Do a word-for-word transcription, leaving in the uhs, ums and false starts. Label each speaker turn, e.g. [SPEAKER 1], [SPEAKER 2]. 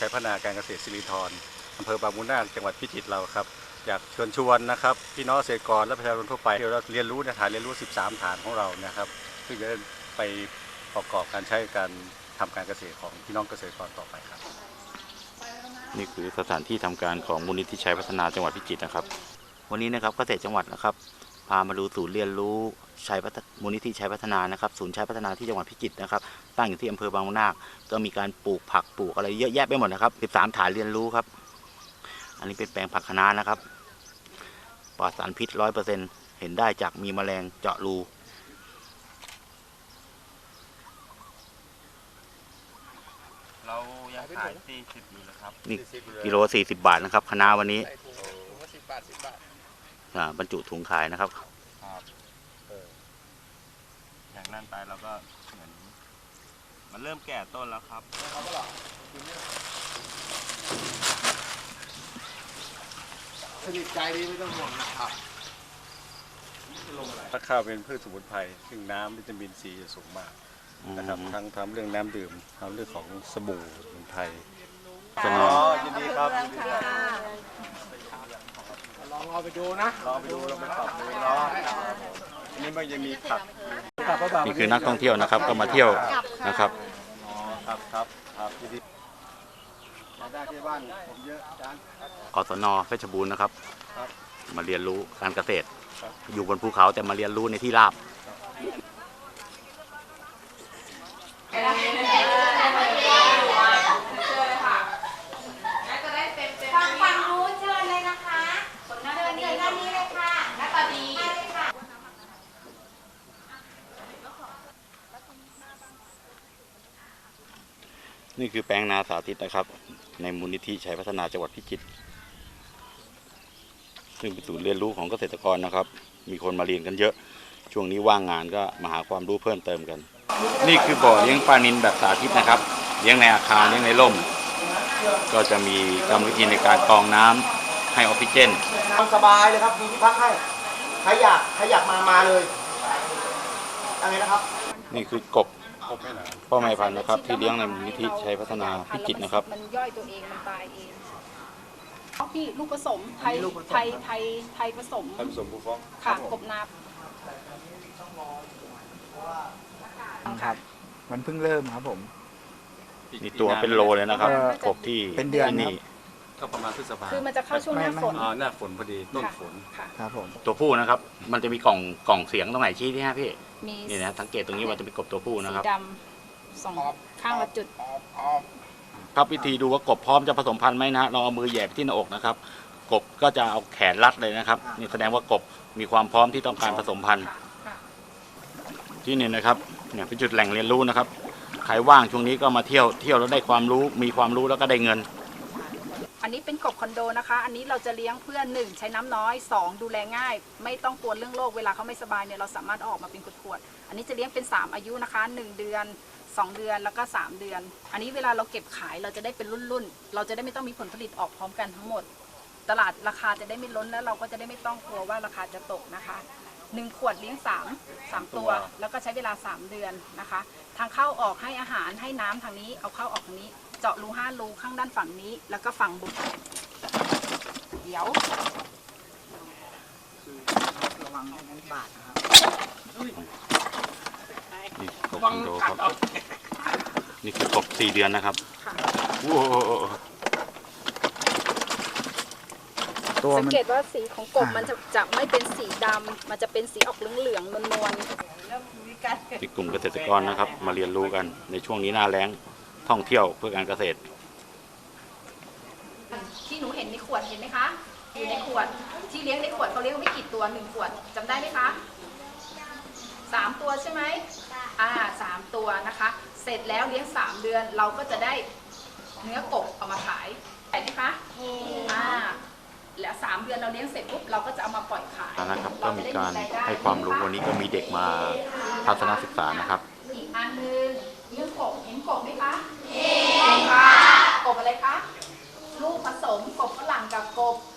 [SPEAKER 1] ชัยพัฒนาการเกษตรสิรินธรอำเภอบางมูลนาคจังหวัดพิจิตรเราครับอยากเชิญชวนนะครับพี่น้องเกษตรกรและประชาชนทั่วไปที่เราเรียนรู้ในฐานเรียนรู้สิบสามฐานของเรานะครับซึ่งจะไปประกอบการใช้การทำการเกษตรของพี่น้องเกษตรกรต่อไปครับ
[SPEAKER 2] นี่คือสถานที่ทำการของมูลนิธิชัยพัฒนาจังหวัดพิจิตรนะครับวันนี้นะครับเกษตรจังหวัดนะครับพามาดูศูนย์เรียนรู้ชัยพัฒนามูลนิธิชัยพัฒนานะครับศูนย์ชัยพัฒนาที่จังหวัดพิจิตรนะครับตั้งอยู่ที่อำเภอบางมูลนาคก็มีการปลูกผักปลูกอะไรเยอะแยะไปหมดนะครับสิบสามฐานเรียนรู้ครับอันนี้เป็นแปลงผักคะน้านะครับปลอดสารพิษ ร้อยเปอร์เซ็นต์ เห็นได้จากมีแมลงเจาะรู
[SPEAKER 3] เรายังขายสี่สิบอยู่นะครับ
[SPEAKER 2] นี่กิโลสี่สิบบาทนะครับคะน้าวันนี้
[SPEAKER 3] สิบบาทสิบบาท
[SPEAKER 2] บรรจุถุงขายนะครับ
[SPEAKER 3] อย่างนั้นไปเราก็เหมือนมันเริ่มแก่ต้นแล้วครับ
[SPEAKER 4] สนิทใจดีไม่ต้องห่วงนะครับ
[SPEAKER 1] ถ้าข้าวเป็นพืชสมุนไพรซึ่งน้ำวิตามินซีจะสูงมากนะครับทั้งทำเรื่องน้ำดื่มทำเรื่องของสบู่สมุนไพร
[SPEAKER 4] อ๋อยินดีครับลองเอาไปดูนะ
[SPEAKER 1] ลองไปดูลองไปปรับดูเนาะนี่มันยังมีผัก
[SPEAKER 2] นี่คือนักท่องเที่ยวนะครับก็มาเที่ยวนะครับ
[SPEAKER 1] อ๋อครับครับครับที่ที่ได้ที่บ้านผมเยอะอาจารย์
[SPEAKER 2] กศน.เพชรบูรณ์นะครับมาเรียนรู้การเกษตรอยู่บนภูเขาแต่มาเรียนรู้ในที่ราบ
[SPEAKER 5] ฝั่งนู้นเชิญเลยนะคะเชิญด้านนี้เลยค่ะหน้าตาดี
[SPEAKER 2] นี่คือแปลงนาสาธิตนะครับในมูลนิธิชัยพัฒนาจังหวัดพิจิตรซึ่งเป็นศูนย์เรียนรู้ของเกษตรกรนะครับมีคนมาเรียนกันเยอะช่วงนี้ว่างงานก็มาหาความรู้เพิ่มเติมกันนี่คือบ่อเลี้ยงปลานิลแบบสาธิตนะครับเลี้ยงในอาคารเลี้ยงในร่มก็จะมีกรรมวิธีในการกรองน้ำให้ออกซิเจน
[SPEAKER 4] ทำสบายเลยครับมีที่พักให้ใครอยากใครอยากมามาเลยอะไรนะครับ
[SPEAKER 2] นี่คือกบพ่อแม่พันธุ์นะครับที่เลี้ยงในมูลนิธิชัยพัฒนาพิจิตรนะครับ
[SPEAKER 6] มันย่อยตัวเองมันตายเองเอาพี่ลูกผสมไทยไทยไทยไทยผสม
[SPEAKER 1] ผสมผู้ฟ้อง
[SPEAKER 6] ค่ะกบนาบ
[SPEAKER 4] ครับมันเพิ่งเริ่มครับผม
[SPEAKER 2] นี่ตัวเป็นโลเลยนะครับกบที่
[SPEAKER 4] เป็นเดือน
[SPEAKER 2] นี่
[SPEAKER 1] ก็ประมาณพฤษภา
[SPEAKER 6] คือมันจะเข้าช่วงหน้าฝน
[SPEAKER 1] อ๋อหน้าฝนพอดีต้นฝน
[SPEAKER 4] ครับผม
[SPEAKER 2] ตัวผู้นะครับมันจะมีกล่องกล่องเสียงตรงไหนชี้ที่ฮะพี่นี่นะสังเกตตรงนี้ว่าจะเป็นกบตัวผู้นะครับ
[SPEAKER 6] สีดำสองข้างละจุด
[SPEAKER 2] ครับวิธีดูว่ากบพร้อมจะผสมพันธุ์ไหมนะเราเอามือแหย่ไปที่หน้าอกนะครับกบก็จะเอาแขนรัดเลยนะครับนี่แสดงว่ากบมีความพร้อมที่ต้องการผสมพันธุ์ที่นี่นะครับเนี่ยเป็นจุดแหล่งเรียนรู้นะครับใครว่างช่วงนี้ก็มาเที่ยวเที่ยวแล้วได้ความรู้มีความรู้แล้วก็ได้เงิน
[SPEAKER 6] อันนี้เป็นกบคอนโดนะคะอันนี้เราจะเลี้ยงเพื่อหนึ่งใช้น้ำน้อยสองดูแลง่ายไม่ต้องกลัวเรื่องโรคเวลาเขาไม่สบายเนี่ยเราสามารถออกมาเป็นขวดๆอันนี้จะเลี้ยงเป็นสามอายุนะคะหนึ่งเดือนสองเดือนแล้วก็สามเดือนอันนี้เวลาเราเก็บขายเราจะได้เป็นรุ่นๆเราจะได้ไม่ต้องมีผลผลิตออกพร้อมกันทั้งหมดตลาดราคาจะได้ไม่ล้นแล้วเราก็จะได้ไม่ต้องกลัวว่าราคาจะตกนะคะหนึ่งขวดเลี้ยงสามสามตัวแล้วก็ใช้เวลาสามเดือนนะคะทางเข้าออกให้อาหารให้น้ำทางนี้เอาเข้าออกทางนี้เจาะรูห้ารูข้างด้านฝั่งนี้แล้วก็ฝั่งบุกเดี๋ยว
[SPEAKER 4] ระวังน้ำบาดนะครับ
[SPEAKER 2] นี่กบคอนโดครับนี่คือกบสี่เดือนนะครับโอ้
[SPEAKER 6] สังเกตว่าสีของกบมันจะจะไม่เป็นสีดำมันจะเป็นสีออกเหลืองๆนวล
[SPEAKER 2] ๆที่กลุ่มเกษตรกรนะครับมาเรียนรู้กันในช่วงนี้หน้าแล้งท่องเที่ยวเพื่อการเกษตร
[SPEAKER 6] ที่หนูเห็นในขวดเห็นไหมคะอยู่ในขวดที่เลี้ยงในขวดเขาเลี้ยงไม่กี่ตัวหนึ่งขวดจำได้ไหมคะสามตัวใช่ไหมอ่าสามตัวนะคะเสร็จแล้วเลี้ยงสามเดือนเราก็จะได้เนื้อกบเอามาขายเห็นไหมคะอ่าแล้วสามเดือนเราเลี้ยงเสร็จปุ๊บเราก็จะเอามาปล่อยขาย
[SPEAKER 2] นะครับก็มีการให้ความรู้วันนี้ก็มีเด็กมาทัศนศึกษานะครับ
[SPEAKER 6] อีกอันนึงเรื่องกบเห็นกบไหมคะเห็นค่ะกบอะไรคะลูกผสมกบฝรั่งกับกบ